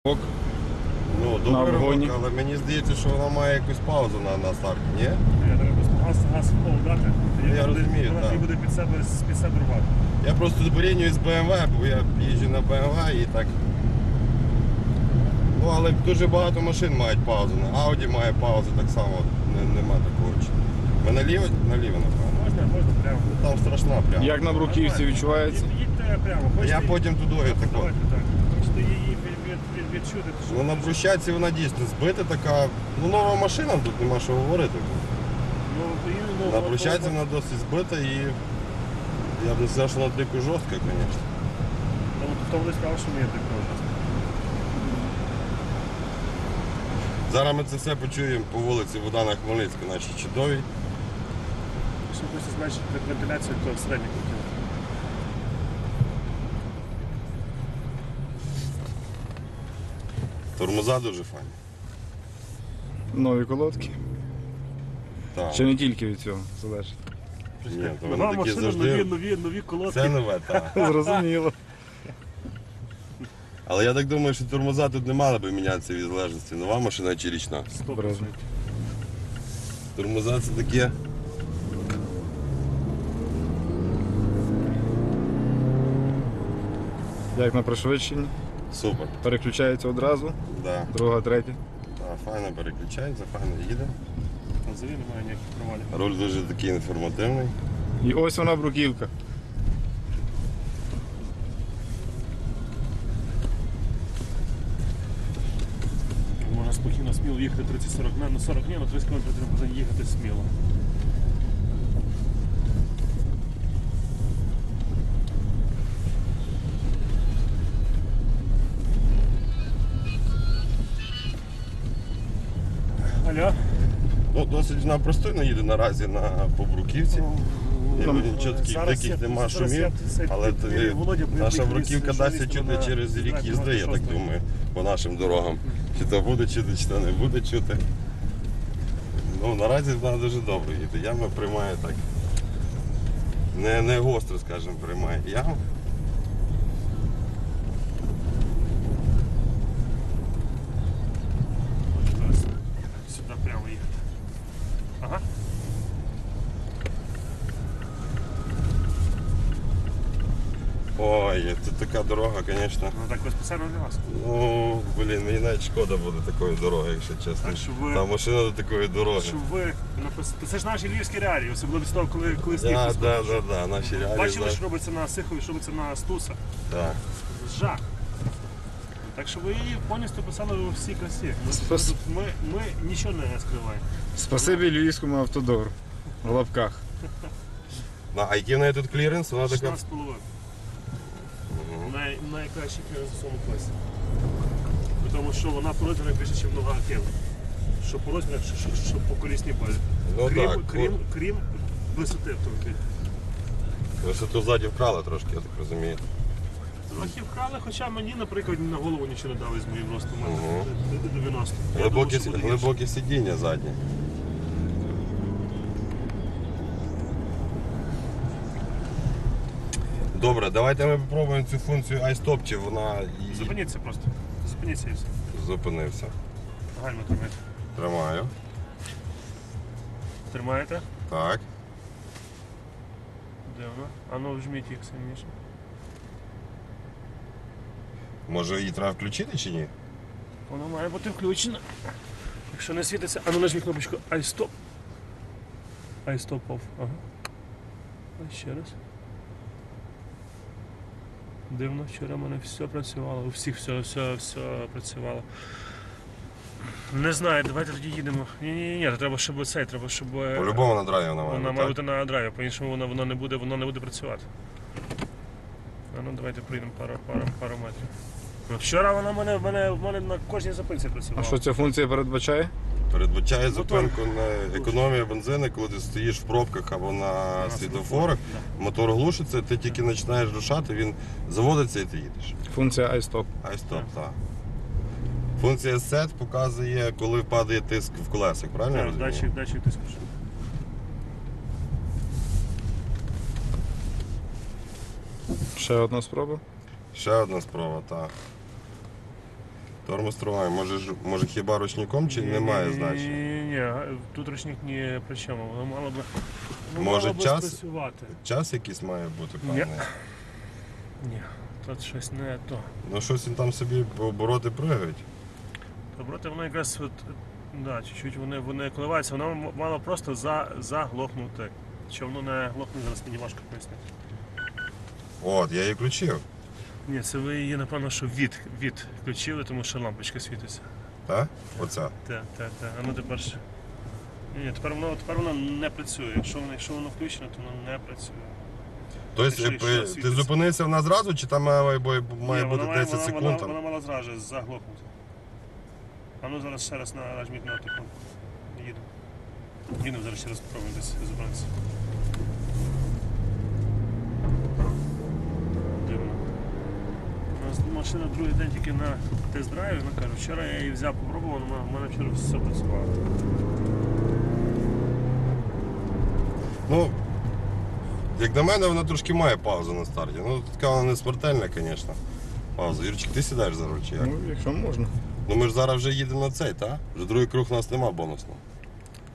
Ну, добре обгоні. ривок, але мені здається, що вона має якусь паузу на старті, ні? Я треба просто газ в пол дати, Я розумію, вона так. буде під себе рвати. Я просто порівнюю з BMW, бо я їжджу на BMW і так. Ну, але дуже багато машин мають паузу. Audi має паузу так само, нема такого. Ми наліво, напевно. Можна прямо. Там страшна прямо. Як на бруківці відчувається? Їдьте прямо. Я потім тудою тако. Давайте так. Хочете її відчути? то що? Ну на брусчатці вона дійсно збита така. Ну нова машина, тут нема що говорити. Ну, На брусчатці вона досить збита і я б не сказав, що вона дико жорстка, звісно. Хто буде сказав, що мені так жорстко? Зараз ми це все почуємо по вулиці Богдана Хмельницького, нашій чудовій. Якщо хочете зменшити вентиляцію, то середній кутів. Тормоза дуже файні. Нові колодки. Так. Чи не тільки від цього залежить? Ні, то Нова вони такі машина, завжди. нові колодки. Це нове, так. Зрозуміло. Але я так думаю, що тормоза тут не мали би мінятися від залежності. Нова машина чи річна. 100%. Тормоза це таке. Як на пришвидшенні. Супер. Переключається одразу. Да. Друга, третя. Так, файно переключається, файно їде. Взагалі немає ніяких провалів. Руль дуже такий інформативний. І ось вона бруківка. Можна спокійно сміло їхати 30-40 на 40 ні, на 30 км можна їхати сміло. Алло? Ну, досить вона простойно їде наразі по бруківці. Там Нічого таких диких нема шумів, але наша бруківка дасться чути через рік їзди, я так думаю, по нашим дорогам. Чи то буде чути, чи то не буде чути. Ну, наразі вона дуже добре їде. Яма приймає так. Не гостро, скажімо, приймає яму. Сюди прямо їхати. Ага. Ой, це така дорога, звісно. Ну так спеціально для вас. Ну, блін, мені навіть шкода буде такої дороги, якщо чесно. Так, щоб ви- Та машина до такої дороги. Щоб ви написали. Це ж наші львівські реалії, особливо з того, коли сніг Так, розходить. так, наші реалії. Бачили, да. що робиться на Сихові, що робиться на Стуса. Так. Жах. Так що ви її повністю писали у всій красі. Ми нічого не скриваємо. Спасибі львівському автодору. В лапках. А який в неї тут кліренс? Вона така. 16,5. Найкращий кліренс у своєму класі. При тому, що вона по розмірах більше, ніж нога Акела. Що по розмірах, що по колісній базі. Ну так, Крім висоти автомобіля. висоту ззаді вкрали трошки, я так розумію. Трохи вкрали, хоча мені, наприклад, на голову нічого не дали з моїм ростом. У мене Ого. 90. Я думав, що буде гірше. Глибокі сидіння задні. Добре, давайте ми спробуємо цю функцію iStop, чи вона і Зупиніться просто. Зупиніться і все. зупинився. Гальма тримайте. Тримаю. Тримаєте? Так. Дивно. А ну вжміть їх сильніше. Може її треба включити чи ні? Воно має бути включено. Якщо не світиться, а ну нажміть кнопочку iStop. iStop off. Ага. А ще раз. Дивно, вчора в мене все працювало, у всіх все працювало. Не знаю, давайте тоді їдемо. Ні, треба, щоб цей, треба, щоб... По-любому на драйві вона має Вона бути, має так? бути на драйві, по-іншому воно не буде працювати. А ну давайте прийдемо пару метрів. Ну, вчора вона в мене на кожній зупинці А працювала. що ця функція передбачає? Передбачає зупинку на економію бензину, коли ти стоїш в пробках або на світлофорах, мотор глушиться, ти тільки починаєш рушати, він заводиться і ти їдеш. Функція iStop. iStop, так. Функція SET показує, коли падає тиск в колесах, правильно я Так, розумію? датчик тиску. Ще одна спроба. Ще одна спроба, так. Тормоз тримає. Може хіба ручником чи немає значення? Ні, тут ручник ні при чому. Воно мало би, Може, мало би час? спрацювати. Час якийсь має бути, певний? Ні, тут щось не то. Ну щось він там собі обороти пригають. Доброти, воно якраз от, да, чуть-чуть вони коливаються, воно мало просто заглохнути. Що воно не глохне, зараз мені важко пояснити. От, я її включив. Ні, це ви її, напевно, що від включили, тому що лампочка світиться. Так? Оця. Так. А ну тепер ще. Ні, тепер воно не працює. Якщо воно включено, то воно не працює. Тобто ти зупинився вона зразу, чи там має бути 10 секунд? Вона мала зразу заглохнути. А ну зараз ще раз нажміть на таку. Їдемо зараз ще раз спробуємо десь зупинитися. Дивно. У нас машина другий день тільки на тест-драйві, вона каже, вчора я її взяв, попробував, в мене вчора все працювало. Ну, як на мене, вона трошки має паузу на старті. Ну, така вона не смертельна, звісно. Пауза. Юрчик, ти сідаєш за руль чи як? Ну, якщо можна. Ну ми ж зараз вже їдемо на цей, так? Вже другий круг у нас нема бонусного.